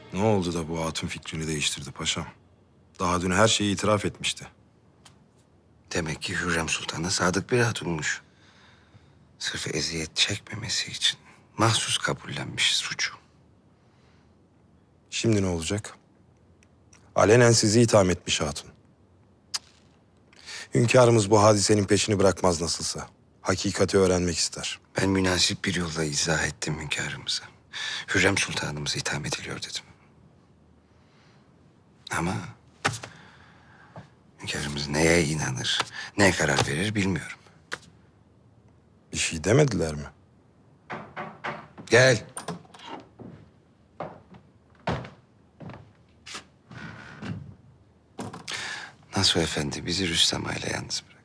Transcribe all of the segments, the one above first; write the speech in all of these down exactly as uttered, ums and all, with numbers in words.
Ne oldu da bu hatun fikrini değiştirdi paşam? Daha dün her şeyi itiraf etmişti. Demek ki Hürrem Sultan'a sadık bir hatunmuş. Sırf eziyet çekmemesi için mahsus kabullenmiş suçu. Şimdi ne olacak? Alenen sizi itham etmiş hatun. Hünkârımız bu hadisenin peşini bırakmaz nasılsa. Hakikati öğrenmek ister. Ben münasip bir yolla izah ettim hünkârımıza. Hürrem Sultanımız itham ediliyor dedim. Ama hünkârımız neye inanır, ne karar verir bilmiyorum. Bir şey demediler mi? Gel. Nasuh Efendi bizi Rüstem ile yalnız bırak.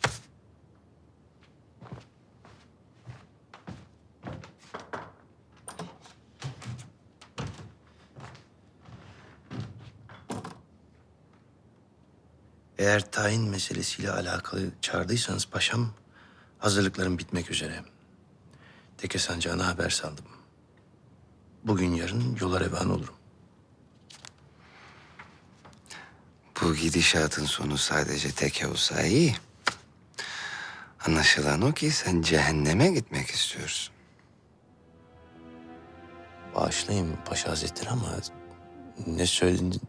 Eğer tayin meselesiyle alakalı çağırdıysanız paşam, hazırlıklarım bitmek üzere. Teke sancağına haber saldım. Bugün yarın yola revan olurum. Bu gidişatın sonu sadece teke olsa iyi. Anlaşılan o ki sen cehenneme gitmek istiyorsun. Bağışlayın Paşa Hazretleri ama ne söyledin?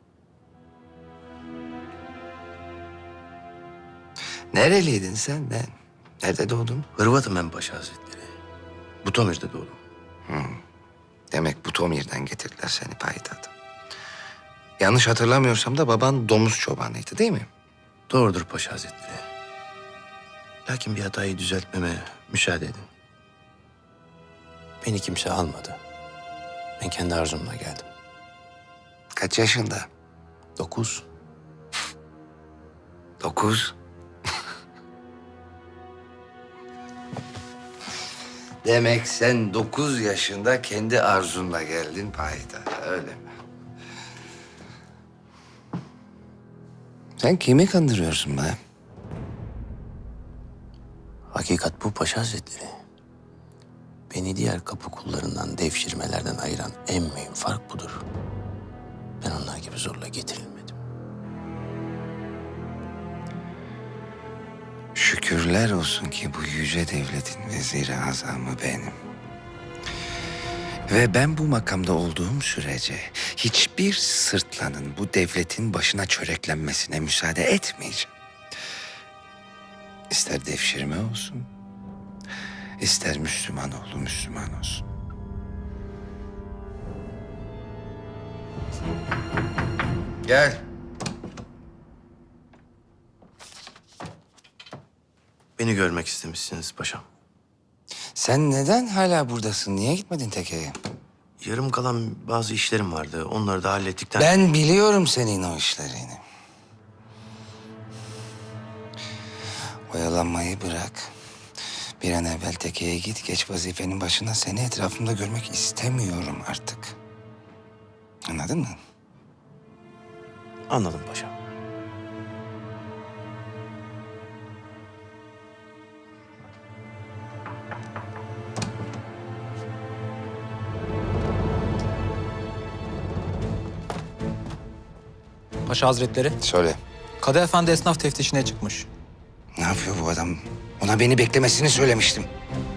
Nereliydin sen? Ne? Nerede doğdun? Hırvatım ben Paşa Hazretleri. Butomir'de doğdum. Demek Butomir'den getirdiler seni payitahta. Yanlış hatırlamıyorsam da baban domuz çobanıydı değil mi? Doğrudur Paşa Hazretleri. Lakin bir hatayı düzeltmeme müsaade edin. Beni kimse almadı. Ben kendi arzumla geldim. Kaç yaşında? Dokuz. Dokuz. Demek sen dokuz yaşında kendi arzunla geldin payitahta, öyle mi? Sen kimi kandırıyorsun be? Hakikat bu Paşa Hazretleri. Beni diğer kapı kullarından, devşirmelerden ayıran en mühim fark budur. Ben onlar gibi zorla getirilmedim. Şükürler olsun ki bu yüce devletin veziri azamı benim. Ve ben bu makamda olduğum sürece hiçbir sırtlanın bu devletin başına çöreklenmesine müsaade etmeyeceğim. İster devşirme olsun, ister Müslüman oğlu Müslüman olsun. Gel. Beni görmek istemişsiniz paşam. Sen neden hala buradasın? Niye gitmedin tekeye? Yarım kalan bazı işlerim vardı. Onları da hallettikten... Ben biliyorum senin o işlerini. Oyalanmayı bırak. Bir an evvel tekeye git, geç vazifenin başına. Seni etrafımda görmek istemiyorum artık. Anladın mı? Anladım paşam. Paşa Hazretleri, Söyle. Kadı Efendi esnaf teftişine çıkmış. Ne yapıyor bu adam? Ona beni beklemesini söylemiştim.